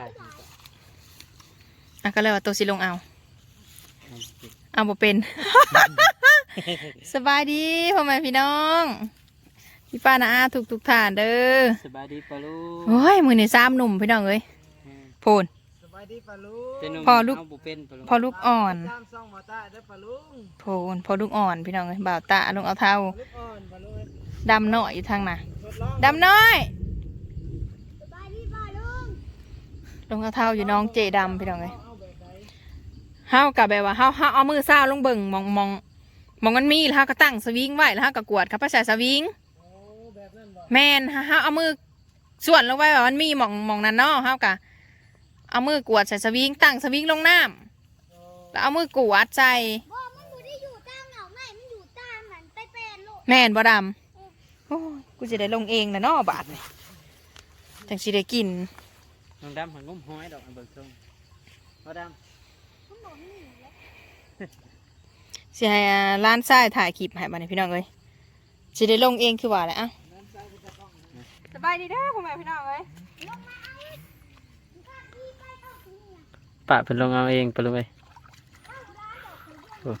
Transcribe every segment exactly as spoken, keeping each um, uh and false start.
อ่ะก็เลยว่าตัวสิลงเอาเอาบ่เป็น สบายดีพ่อแม่พี่น้องพี่ป้าน้าอาทุกทุกท่านเด้อสบายดีปะลูกโอ้ยมือนี่ซ้ำหนุ่มพี่น้องเอ้ยโพนสบายดีปะลุงพอลูกเป็นปะลูกพอลูกอ่อนตามซ่องมาตาได้ปะลุงโพนพอลูกอ่อนพี่น้องเอ้ยบ่าวตาลงเอาเท้าลูกอ่อนปะลุงดำน้อยอยู่ทางน่ะทดลองดำน้อยสบายดีป่ะลุงลงเอาเท้าอยู่น้องเจดำพี่น้องเอ้ยเอาแบบไหนเฮากับแบบว่าเฮาเฮาเอามือซ้าวลงเบิ่งมองมองมองมันมีแล้วเฮาก็ตั้งสวิงไว้แล้วเฮาก็กวดครับภาษาสวิงโอ้แบบนั้นบ่แม่นเฮาเอามือส่วนลงไว้ว่ามันมีหมองหมองนั้นเนาะเฮากะเอามือกวดใส่สวิงตั้งสวิงลงน้ำโอ้แล้วเอามือกวดใส่บ่มันอยู่ได้อยู่ตามเหงาไหนมันอยู่ตามหันไปเป็นลูกแม่นบ่ดำโอ้ยกูจะได้ลงเองนะเนาะบาทนี่จังสิได้กินน้องดำหันงุ้มห้อยดอกอันเบิกทรงน้องดมันหนุนหนีแล้วสิให้อ่าร้านทรายถ่ายคลิปให้บัดนี้พี่น้องเอ้ยสิได้ลงเองคือว่าแหละอ่ะสบายดีเด้อพ่อแม่พี่น้องเอ้ยลงมาเอาอีกมันก็ดีไปเข้าถึงเนี่ยำปะเป็นลงเอาเองปะลูกเอ้ยเข้าร้านดอกถึงด้วย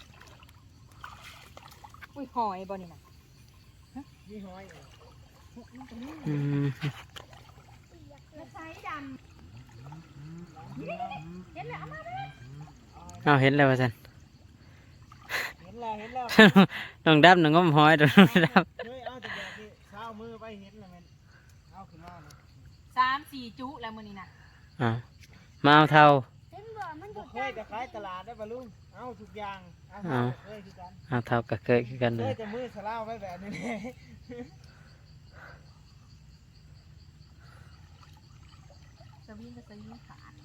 อุ้ยหอยบ่นี่น่ะมีห้อยอืมแล้วใช้ดำเห็นแล้วเอามาเด้อเอาเห็นแล้วว่าสันเห็นแล้วเห็นแล้วน้องดำน้องงุ้มห้อยดอกน้องดเฮ้ยเอาแต่แบบที่เช้ามือไปเห็นแล้วแมันเอาขึ้นมาเลยสามสี่จุแล้วมื้อนี้น่ะำอ่ามาเอาเท่าเห็นบ่มันอบ่ยู่เคยจะขายตลาดได้ปะลุงเอาทุกอย่างเอาเอาเคยคือกันเอาเท่ากับเคยคือกันเคเลยยจะมือสลาวไว้แบบนี้เลยสวิงก็สวิงขาด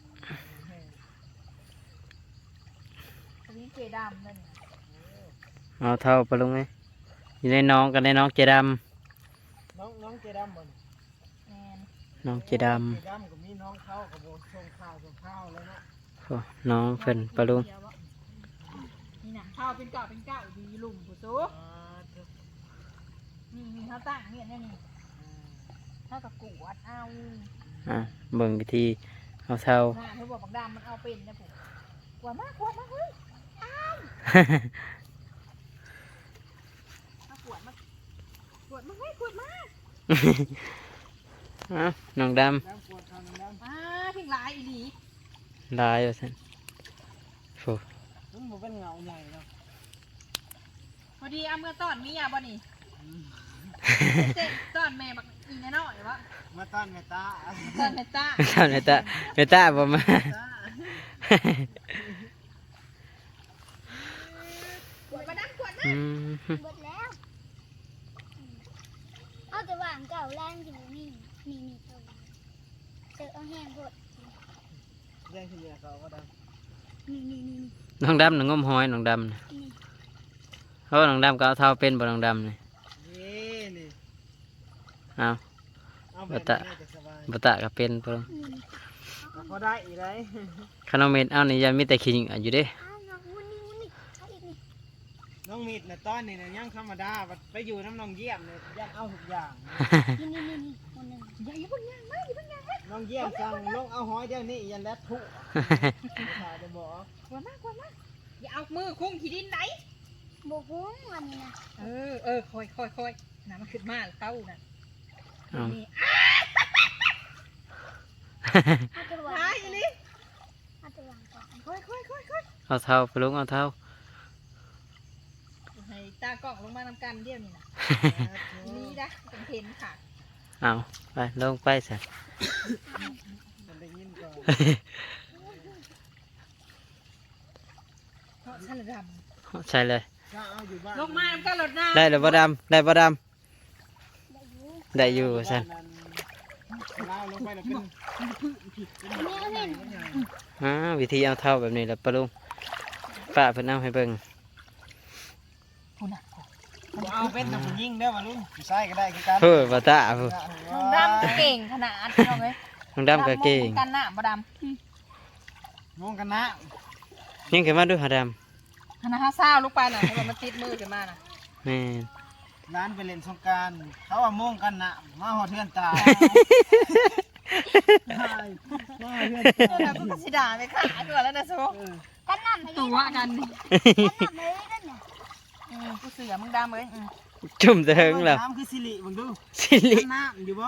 สวิงเจดำนั่นน่ะเอาเท่าปะลูกเอ้ยอยู่ในน้องกันในน้องเจดน้องน้องเจดำบ่นแม่นำน้องเจดเจดำก็มีน้องเขากับโบส่งข้าวส่งข้าวเลยนะำโอ้น้องเพิ่นปะลูกนี่น่ะข้าวเป็นเก่าเป็นเก่าดีลุ่มผู้สูอ่าเดี๋ยวนี่มีข้าวตั้งเนี่ยนี่นี่เท่ากับกวดเอาอ่าเบิ่งวิธีเอาเท่าหน้าเธอบอกบักดำมันเอาเป็นนะผมกวดมากกวดมากเฮ้ยมากวดมากวดมากเฮ้ยกวดมากเอาน้องดน้ำปวดทางน้ำอ่าทิ้งลายอีหลีำลายว่าสันโอ้มันบ่เป็นเงาใหญ่เนาะพอดีเอาเมื่อต้อนเมียบ่นี่เจ๊ต้อนแม่บักอีแน่นอนวะมาต้อนแม่ตาต้อนแม่ตาเท่าเนตาเนตาบ่มากวดมาดังกวดมาอืมหมดแล้วเอาแต่วางเก่าล่างอยู่นี่นี่นี่ตัวเจอเอาแห้งหมดแย่งที่เมียเขาก็ได้นี่นี่นี่น้องดำน้องงมหอยน้องดำน่ะนี่เพราะว่าน้องดำก็เอาเท่าเป็นบ่น้องดำนี่นี่นี่เอาเอาแบบนี้จะสบายบ่ตะก็เป็นเพิ่นนี่นี่พอได้อีกเลยขนมเม็ดเอานี่ยังมีแต่ขี้หญิงอยู่เด้อ้าวน้องมุนนี่มุนนี่เอาอีกนี่น้องมีดนะต้อนนี่นะยังธรรมดาบัดไปอยู่น้ำน้องเยี่ยมเนี่ยยังเอาทุกอย่างนี่นี่นี่นี่คนหนึ่งอย่าอย่าเพิ่งย่างมาอย่าเพิ่งย่างมาน้องเยี่ยมสั่งลงเอาหอยเดี๋ยวนี้ยันแล้วทุกขาจะบอกกวดมากวดมาอย่าเอามือคุ้งขี้ดินไหนโบกุ้งวันนี้นะเออเออคอยคอยคอยน้ำมันขึ้นมาเต้าน่ะเอานี่เอาตัววางหายอีหลีเอาตัววางก่อนคอยคอยคอยคอยเอาเท่าไปลุงเอาเท่าให้ตากล้องลงมานำกันเดียวนี่นะนี่นะเป็นเทนค่ะเอาไปลงไปซะมันได้ยินก่อนเพราะฉันระดใช่เลยถ้าเอาอยู่บ้านำลงมานำกันรถน้ได้หรือบ่ดำได้บ่ดได้อยู่ำได้อยู่ซั่นเล่าลงไปแล้วเป็นนี่เอาเห็นอ่าวิธีเอาเท่าแบบนี้แหละปะลุงป้าเพิ่นเอาให้เบิ่งำคุณน่ะเอาเป็นแต่ผู้ยิงได้ป่ะลุงผู้ชายก็ได้คือกันเฮ้ยบ่ตาเพิ่นน้องดำเก่งขนาดน้องเอ้ยน้องดำก็เก่งกันหน้าบ่ดงงกันนะยิงขึ้นมาดูหาดำคณะห้าเศร้าลูกไปน่ะให้มันติดมือขึ้นมาน่ะำแม่นร้านไปเล่นสงกรารเขาว่าโมงกันนะมาหอเทือนตาว่าเพื่อนตัวเราก็สิด่าไปขาตัวแล้วนะโซกันน้ำไม่ได้ตัวกันนี่กันน้ำไม่ได้นั่นน่ะอืมกูเสือมึงดำเลยอืมจุ่มเถิงแล้วน้ำคือสิริมึงดูสิริน้ำอยู่บ่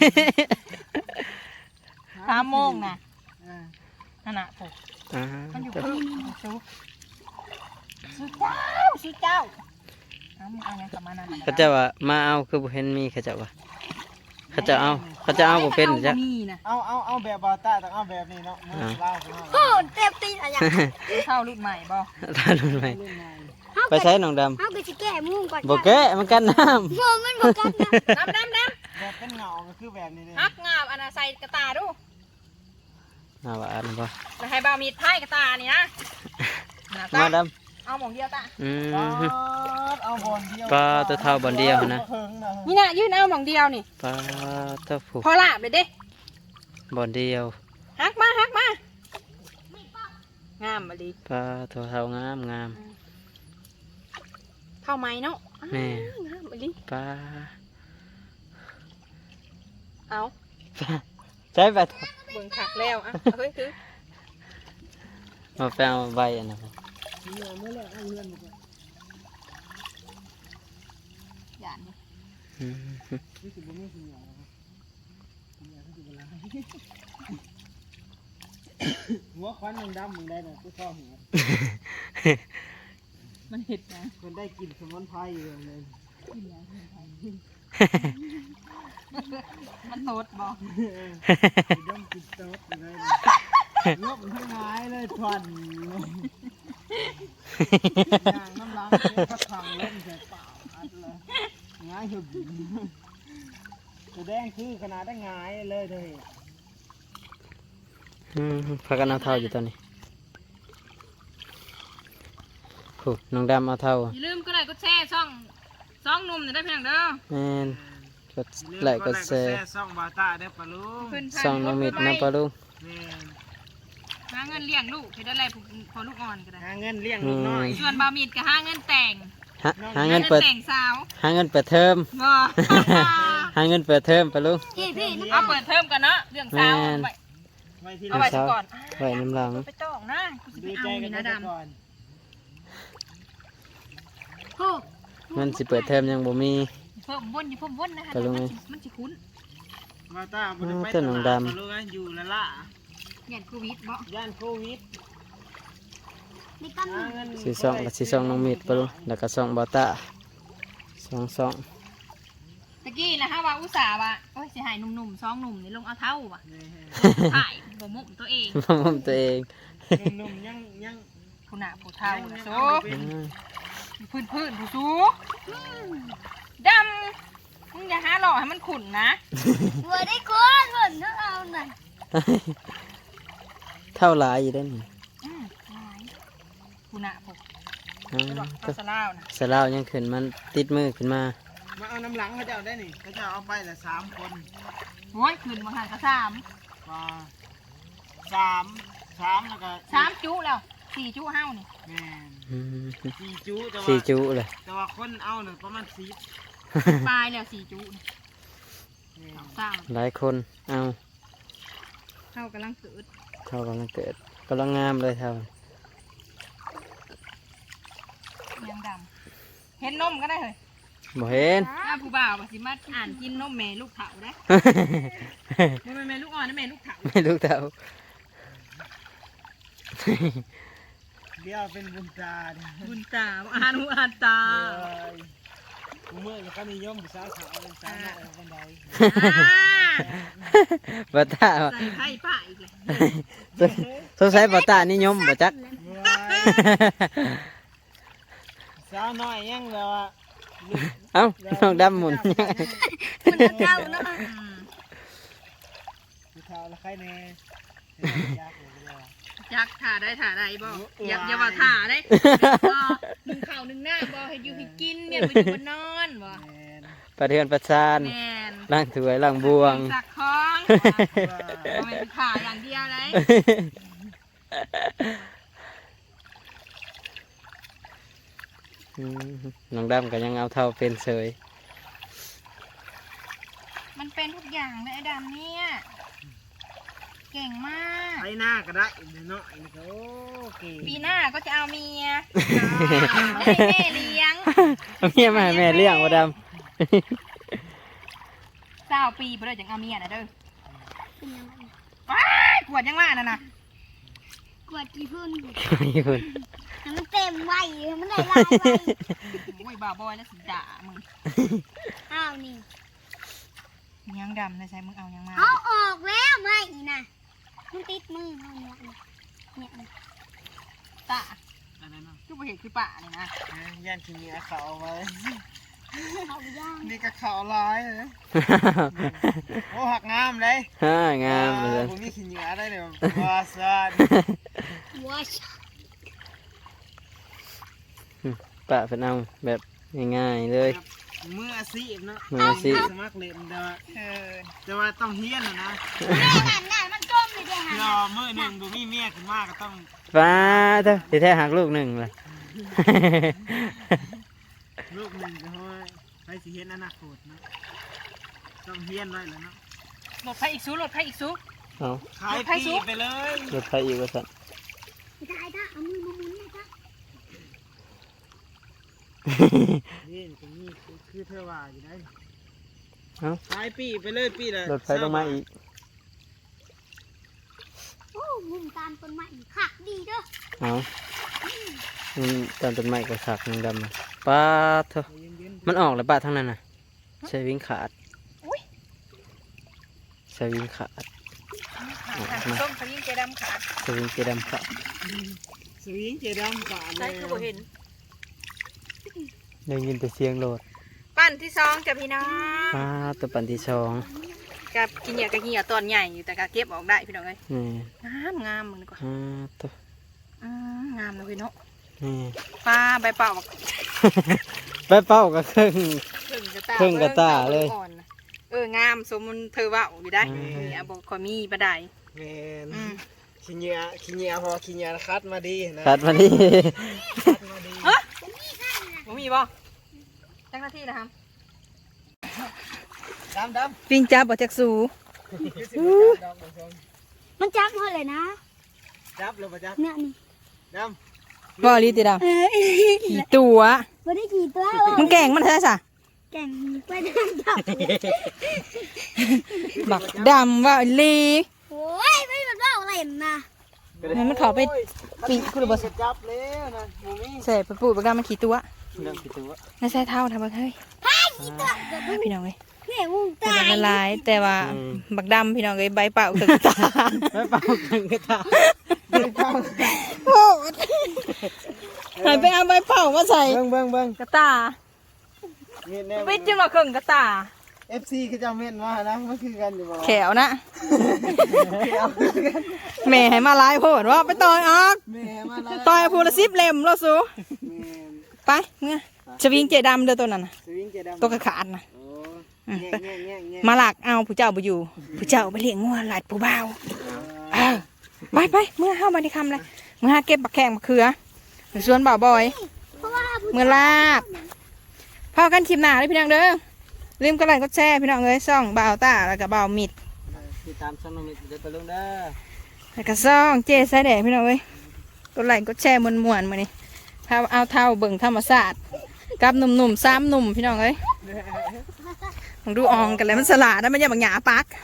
สามโมงนะอ่านั่นน่ะโอ้อ่ามันอยู่พึ่งซูซูเจ้าซูเจ้าเอามึงเอายังกลับมานั่นน่ะเขาเจะว่ามาเอาคือบ่เห็นมีเขาเจะว่าเขาจะเอาเขาจะเอาบ่เป็นจ้ะมีนะเอาเอาเอาแบบบอต้าต้องเอาแบบนี้เนาะมือเล่าไปเนาะโอ้เต็มตีนอะไรอย่างเข้ารุ่นใหม่บ่ทานมันไหมเล่นไงไปใช้น้องดำเอาไปสิแก้มุ้งก่อนบ่แกะมันกันน้โง่มันบอกกันนะน้ำน้ำน้แบบเป็นเงาก็คือแบบนี้เลยำฮักงาบอันน่ะใส่กระตาดูำเอาว่าอันนั้นบ่แล้วให้บ่าวมีดไพ่กระตานี่นะน่ะตามาดเอาหมองเดียวตาำอืปมเอาบอลเดียวปลาตัวเท่าบอลเดียวนะเพิ่งนะนี่น่ะยื่นเอาหมองเดียวนี่ปลาตัวผูกพอลาบเลยเด้บอลเดียวฮักมาฮักมา งามมาดีปลาตัวเท่างามงามเท่าไหมเนาะแม่งามมาดีปลาเอาใช้ไปเบิ่งขักแล้วอ่ะเฮ้ยคือมาไปเอาใบอันนั้นเนี่ยเมื่อแรกเอาเงินมาก่อนหยาดนี่อืมนี่คือบ่มีสิเหนียวนะครับสิเหนียวคือเวลาหัวควันยังดำมึงได้น่ะกูชอบหัวมันเห็ดนะคนได้กลิ่นสมุนไพรอยู่เลยมันโนดบอกดมกลิ่นโต๊ดอยู่เลยงบทั้งหลายเลยทวนยางน้ำล้างเลยพัดทางเล่นใส่เปล่าอัดเลยง่ายหึบตัวแดงคือขนาดได้ง่ายเลยเธออืมพากันเอาเท่าอยู่ตอนนี้ผูกน้องดำเอาเท่าอย่าลืมก็ได้ก็แช่ช่องช่องหนุ่มเนี่ยได้เพียงเด้อแม่นกดไลค์กดแชร์ซ่องบาตาได้ปะลุงขึ้นส่องน้องมิดนะปลาลุงแม่นหาเงินเลี้ยงลูกให้ได้ไรพอลูกอ่อนก็ได้หาเงินเลี้ยงลูกน้อยส่วนบามีดก็หาเงินแต่งหาหาเงินเปิดแต่งสาวหาเงินเปิดเทอมบ่หาเงินเปิดเทอมปลาลุงพี่พี่นะเอาเปิดเทอมกันเนาะเรื่องสาวเอาไว้ไว้ที่เอาไว้ซะก่อนไว้น้ำหลังไปจ้องนะกูจะไปดูเอาใจกันี่นนะไปดำก่อนโอ้มันสิเปิดเทอมยังบ่มีเพิ่มวนอยู่เพิ่มวนนะคะไปลงไงมันสิมันสิคุ้นบาตาบ่ได้ไปเต้นหนังดำตลาปะลุงอะอยู่ละละอย่างโควิดบ่ย่านโควิดในกันหาเงินสีซองกับสีซองน้องมิดปะลุงแล้วก็ซองบอต้าสองซองตะกี้นะฮะว่าอุตส่าห์ว่าโอ้ยสิหายหนุ่มๆสองหนุ่มนี่ลงเอาเท่าว่ะแม่ถ่ายบ่มุมตัวเองพ่อผมตัวเองหนุ่มๆยังยังผู้หน้าผู้เท่านะโซอืมพื้นพื้นผู้สูดำมึงอย่าหาหล่อให้มันขุ่นนะหัวได้คนเหมือนน้องเอาหน่อยเท่าหลายอยู่ได้อนี่อืมหลายผู้หน้าผู้อ่าไม่บอกเอาสลาวนะสลาวยังขึ้นมันติดมือขึ้นมามาเอาน้ำหลังเขาจะเอาได้นี่เขาจะเอาไปละสามคนโอ้ยขึ้นมาหันกระสามมาสามสามแล้วก็สามจุแล้วสี่จุเฮ้านี่แม่นอืมสี่จุแต่สี่ว่าจุเลยแต่ว่าคนเอาเนี่ยประมาณสิบปลายแล้วสี่จุนี่แม่นสองสามหลายคนเอาเท่ากำลังเกิดเท่ากำลังเกิดกำลังงามเลยเท่ายังดำเห็นนมก็ได้เลยบ่เห็นถ้าผู้บ่าวว่าสิมาอ่านกินนมแม่ลูกเถาได้บ่แม่นแม่ลูกอ่อนนะแม่ลูกเถาไม่รู้เท่าเดี๋ยวเป็นบุญตาเนี่ยบุญตาอ่านหูอ่านตาเอ้ยกูเมื่อก็นิยมผู้สาวขาวเป็นสาวน้อยเอาคนใดอ่าบอต้าใส่ไพ่ป้าอีกเลยสงสัยบอต้านิยมบ่จักเว้ยสาวน้อยยังแบบว่าเอ้าน้องดำหมุนคุณเจ้าเนาะอืมผู้สาวละใครแน่ยากเลยเด้อจักถ่าได้ถ่าได้บ่อย่าอย่าว่าถ่าได้บ่หนึ่งเข่าวหนึ่งหน้าบ่ให้อยู่ให้กินเมียนไปอยู่บนนอนบ่แม่นประเทือนประชานแม่นล้างถ้วยล้างบวงสักของบ่แม่นถ่าอย่างเดียวเลยอืมน้องดำก็ยังเอาเท่าเป็นเสยมันเป็นทุกอย่างเลยไอ้ดำเนี่ยเก่งมากไถหน้าก็ได้เนาะนี่ก็โอเคปีหน้าก็จะเอาเมียไม่ให้แม่เลี้ยงเอาเมียมาให้แม่เลี้ยงบ่ดำเก้าปีไปเลยจังเอาเมียนะเด้อเป็นยังไงว้ายกวดยังว่าน่ะนะกวดกี่พุ่นนี่คุณให้มันเต็มไว้ให้มันได้ลายไว้โอ้ยบ้าบอยแล้วสิด่ามึงอ้าวนี่ยังดำนะใช่มึงเอายังมาเอาออกแล้วไม่อีน่ะมันติดมือเขาเนี่ยเนี่ยเนี่ยตาอะไรเนาะคือบ่เห็นคือป่าเลยนะย่านขี้เหนียวเขาไว้เอาย่างนี่ก็เขาร้ายเลยโอ้หักงามเลยฮ่างามเลยผมมีขี้เหนียวได้เลยว่าซันวัชป้าเพิ่นเอาแบบง่ายๆเลยมืออาชีพเนาะมืออาชีพสมัครเล่นแต่ว่าเออแต่ว่าต้องเฮียนนะนะแม่หันหน้ามันก้มเลยเด้หันรอมือหนึ่งดูมีเมียขึ้นมากก็ต้องป้าเถอะสิแท้หักลูกหนึ่งเลยลูกหนึ่งก็ห้อยไปสิเฮียนอนาคตเนาะต้องเฮียนไว้แล้วเนาะหลดไฟอีกซูหลดไฟอีกซูเอาขายปีไปเลยรถไฟอีกว่าสั่นได้ได้เอามือมาหมุนเลยจ้ะนี่ตรงนี้คือเธอว่าอยู่ได้เอาขายปีไปเลยปีละรถไฟลงมาอีกโอ้มุมตามต้นไม้ขักดีเด้อเอามันตอนต้นไม้ก็สักนึงดำอะป้าเถอะเย็นมันออกแล้วป้าทั้งนั้นน่ะใช้วิ่งขาดใช้วิ่งขาดส้มสลิงเจดำขาดใช้วิ่งเจดำขาดๆสวิงเจดำป่าเลใช่ยคือบ่เห็นได้ยินแต่เสียงโหลดปั้นที่สองจ้ะพี่น้องป้าตัวปันที่สองกับกินเหยื่อกับเหยื่อตอนใหญ่อยู่แต่ก็เก็บออกได้พี่น้องเอ้ยนี่งามงามมึงดีกว่าอ่าตัวอืมงามเลยพี่เนาะนี่ปลาใบเป่าบักไปเป้าก็ครึ่งครึ่งกระตาครึ่งกระตาเลยอ่อนน่ะเอองามสมมุนเธอว่าอยู่ได้อืมนี่บอกคอยมีบันไดแมนอืมขี้เหนียวขี้เหนียวพอขี้เหนียวคัดมาดีนะตัดมานี่คัดมาดีบ่มีบ่จังหน้าที่นะครับดำดำปิงจับบ่จักสูคือสิบดำดำดำมันจับหมดเลยนะจับเลยปะจับเนี่ยนี่ดบ่ลีติดำเอ้ยกี่ตัวไม่ได้กี่ตัวมึงแก่งมันใช่ซะแก่งไปเดินจับบักดำว่าลีโอ้ยไม่มันว่าอะไรนะำงั้นมันเข้าไปปีกคุณบ่จับแล้วนะหมูมี่ใส่ไปปูดบักดำมันขี่ตัวเรื่องกี่ตัวไม่ใช่เท่าทำบักเฮ้ยกี่ตัวเดี๋ยวดูพี่น้องเอ้ยเนี่ยงูแต่ตายละลายแต่ว่าบักดำพี่น้องเอ้ยใบเป่าตึกตาไปเป้ากันก็ตาโอ้หันไปเอาใบเป่ามาใส่เบิ้งเบิ้งเบิ้งกระตาเห็นแน่ไปจิ้มมาเครื่องกระตาเอฟซีคือจะเม่นมานะมันคือกันอยู่บ่แขวนะแม่ให้มาลายโพดว่าไปต่อยออกแม่มาแล้วต่อยพูละสิบเล่มแล้วสูแม่นไปเมื่อสวิงเจดำเด้อตัวนั้นน่ะสวิงเจดำตัวกระขาดนะโอ้แง่แง่แง่แง่มาหลักเอาผู้เจ้าไปอยู่ผู้เจ้าไปเลี้ยงงัวหลายผู้บ่าวเออไปไปเมื่อเข้ามาที่คำเลยเมื่อหาเก็บบักแข้งบักเขือส่วนบ่าวบอยเพราะว่าผู้เมื่อลาบพอกันคลิปหน้าเลยพี่น้องเด้อลืมกดไลค์กดแชร์พี่น้องเอ้ยซ่องบ่าวตาแล้วก็บ่าวมิดติดตามช่องน้องมิตรเดี๋ยวไปลงเด้อแล้วก็ซ่องเจ๊สายแดงพี่น้องเอ้ยกดไลค์กดแชร์มวนๆมานี่พาเอาเท่าเบิ่งธรรมศาสตร์กับหนุ่มๆสามหนุ่มพี่น้องเอ้ยมึงดูอองกันเลยมันสลาดนะมันอย่าบังหยาปัก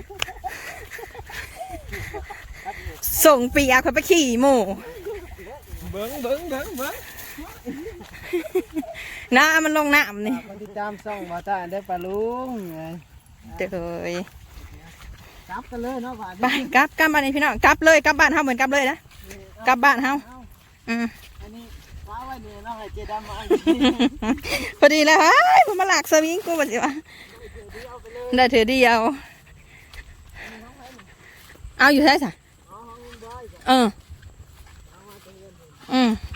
ส่งปีอาเขาไปขี่หมู่เบิ้งเบิ้งเบิ้งเบิ้งน้ามันลงน้ำนี่มันติดตามช่องมาตาได้ปลาลุงไงเด้อจับกันเลยเนาะป่าไปกลับกลับบ้านนี่พี่น้องกลับเลยกลับบ้านเฮาเหมือนกลับเลยนะกลับบ้านเฮาอืมอันนี้ว้าไว้เนี่ยเนาะให้เจดำมาพอดีแล้วเฮ้ยมันมาหลักสวิงกูมาสิวะได้เถือเดียวเอาอยู่ใช่ไหมเอออืม